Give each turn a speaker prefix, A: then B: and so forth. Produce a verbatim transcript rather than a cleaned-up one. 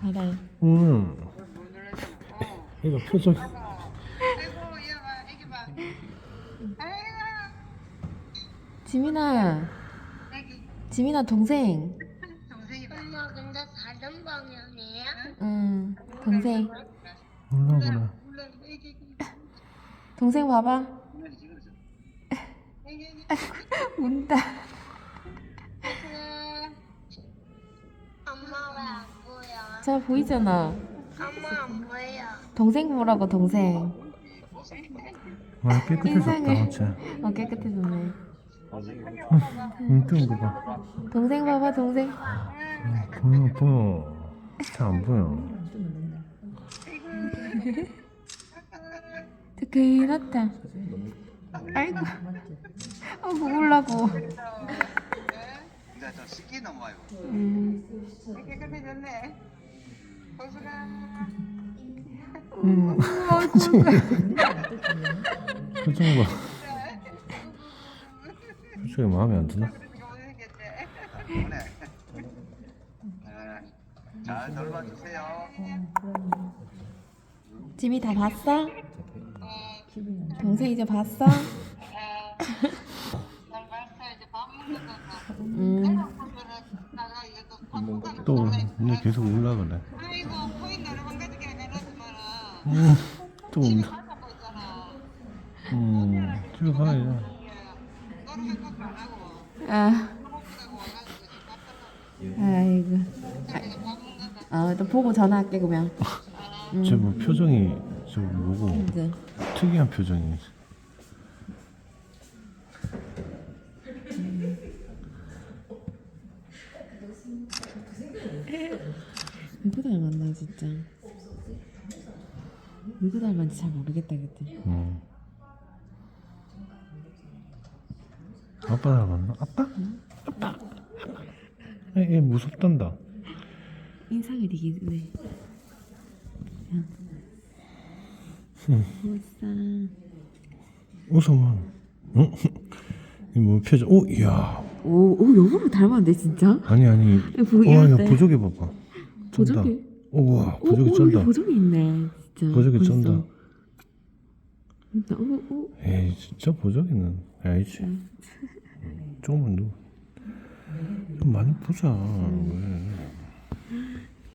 A: 받아요.
B: 응. 이거 표정.
C: 아이고 얘 봐, 애기 봐. 아이고
A: 지민아,
C: 애기
A: 지민아 동생.
C: 동생이 봐.
D: 엄마 근데 다른 방향이야?
A: 응, 동생.
B: 몰라 그래.
C: 물론 애기 애기
A: 동생 봐봐.
C: 애기 애기.
A: 운다.
D: 엄마 왜 안 보여?
A: 잘 보이잖아.
D: 엄마 안 보여.
A: 동생 보라고 동생.
B: 와 깨끗해졌다.
A: 인상을.
B: 진짜.
A: 어 깨끗해졌네.
B: 응, 뜨는 거 봐.
A: 동생 봐봐 동생.
B: 응, 보여 보여. 잘 안 보여.
A: 뜨끈하다. 아이고. 어 먹으려고.
E: 이제 좀 씻기 넘어요.
A: 음.
C: 깨끗해졌네. 호수가
B: 응. 표정 봐. 표정이 마음에 안 드나?
C: 생겼대.
E: 오늘 잘 돌봐주세요.
A: 지미 다 봤어? 동생 이제 봤어?
C: 잘 봤어. 이제 밥 먹는 거.
A: 음.
C: 나가 이거 밥 먹는
B: 또 이제 계속 올라 그래.
C: 아이고 코인 노래방 가지게 해놨지만은
B: 응. 또 온다.
C: 가서 보잖아.
B: 응. 집에 가야지.
C: 노래방 꼭안 하고
A: 아.
C: 먹으라고 와가지고 지금 밥
A: 아이고.
C: 먹는 거. 밥 먹는 거.
A: 어, 또 보고 전화할게 그러면.
B: 저 뭐 표정이 저 뭐고
A: 이제.
B: 특이한 표정이.
A: 누구 닮았나 진짜. 누구 닮았는지 잘 모르겠다 그때.
B: 응. 아빠 닮았나? 아빠? 아빠. 얘 무섭단다.
A: 인상이 되게 네.
B: 응.
A: 멋있어.
B: 웃어만. 응? 이뭐 표정? 오, 이야.
A: 오, 오 여보를 닮았는데 진짜?
B: 아니 아니.
A: 보기
B: 와, 이거
A: 어때?
B: 보조개 봐봐. 쩐다.
A: 보조개?
B: 우와,
A: 오,
B: 보조개
A: 오,
B: 쩐다.
A: 여기 보조개 있네 진짜.
B: 보조개
A: 벌써.
B: 쩐다.
A: 진짜, 오, 오.
B: 에이, 진짜 보조개는 아니지. 조금만 누. 좀 많이 보자. 왜?